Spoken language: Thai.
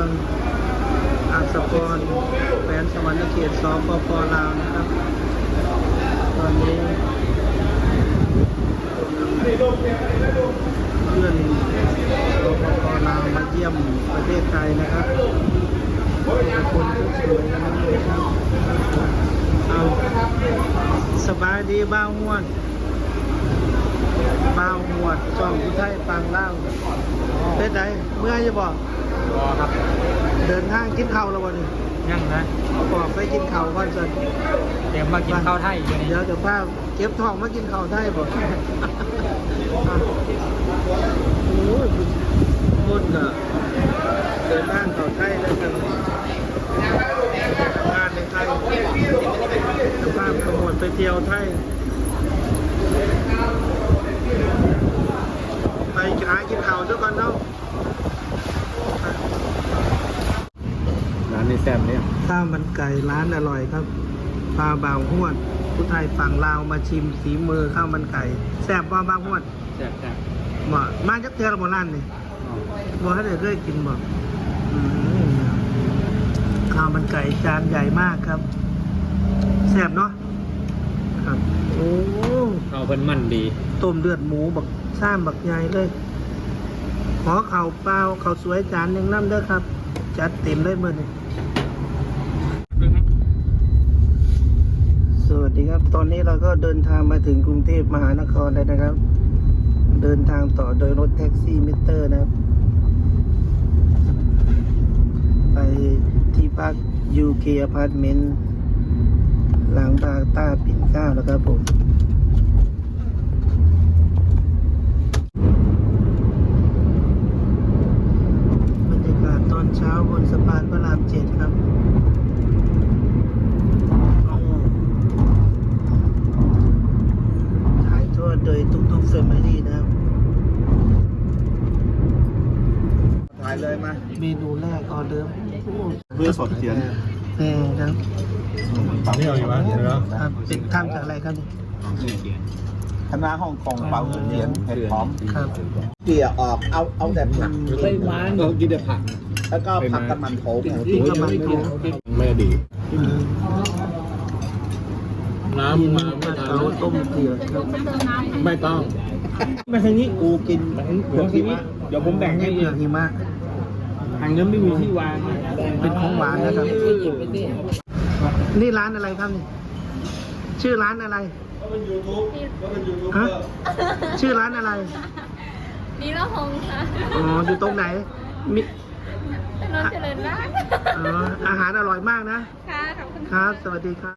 องอาสกรแขวงสวรรณเขตสปป.ลาวนะครับตอนนี้เพื่อนสปป.ลาวมาเยี่ยมประเทศไทยนะครับคนสวยๆนะครับเอาสบายดีบ้าวหวดช่องผู้ไทยฟังเล่าเป็นไงเมื่อจะบอกครับเดินทางกินข้าวแล้ววันนี้ยังนะบอกไปกินข้าวก่อนสิเดี๋ยวมากินข้าวไทยอยู่นี่เดี๋ยวจะพาเก็บทองมากินข้าวไทยบอกโอ้ยมุ่นอะเดินทางข้าวไทยแล้วกันงานในไทยจะพาขมวดไปเที่ยวไทยไปหากินข้าวด้วยกันเนาะร้านนี้แซ่บเนี่ยข้าวมันไก่ร้านอร่อยครับปลาบ่าวหวดผู้ไทยฝั่งลาวมาชิมฝีมือข้าวมันไก่แซ่บว่าบ่าวหวดแซ่บมาจากเทือกโบราณนี่บอกให้เด็กเคยกินบอกข้าวมันไก่จานใหญ่มากครับแซ่บเนาะครับโอ้ข้าวเพิ่นมันดีต้มเลือดหมูบักซ่ามบักใหญ่เลยขอข้าวเปล่าข้าวสวยจานหนึ่งน้ำเด้อครับจัดเต็มเลยมื้อนี้สวัสดีครับตอนนี้เราก็เดินทางมาถึงกรุงเทพมหานครแล้วนะครับ เดินทางต่อโดยรถแท็กซี่มิเตอร์นะครับไปที่พัก UK Apartment หลังบางต้าปิ่นเกล้านะครับผมบรรยากาศตอนเช้าบนสะพานพระราม7ครับถ่ายทอดโดยทุกๆแฟมิลี่นะครับถ่ายเลยมาเมนูแรกออเดิร์ฟเพื่อสดเขียนแน่ครับปั๊มที่เราอยู่บ้านเนาะครับเป็นทำจากอะไรครับนี่คณะฮ่องกงเปาเทียนเห็ดหอมครับเกี่ยออกเอาแต่ผักไม่หวานเรากินแต่ผักแล้วก็ผักกระมันโถกินกระมันโถไม่ดีน้ำมาไม่ทันต้มเกลือครับไม่ต้องไม่ใช่นี้กูกินเผือกหิมะเดี๋ยวผมแบ่งให้เผือกหิมะทางนั้นไม่มีที่วางเป็นของหวานนะครับนี่ร้านอะไรครับนี่ชื่อร้านอะไรฮะชื่อร้านอะไรนีละหงค่ะอ๋ออยู่ตรงไหนมีถนนเจริญราษฎร์อาหารอร่อยมากนะค่ะขอบคุณครับสวัสดีครับ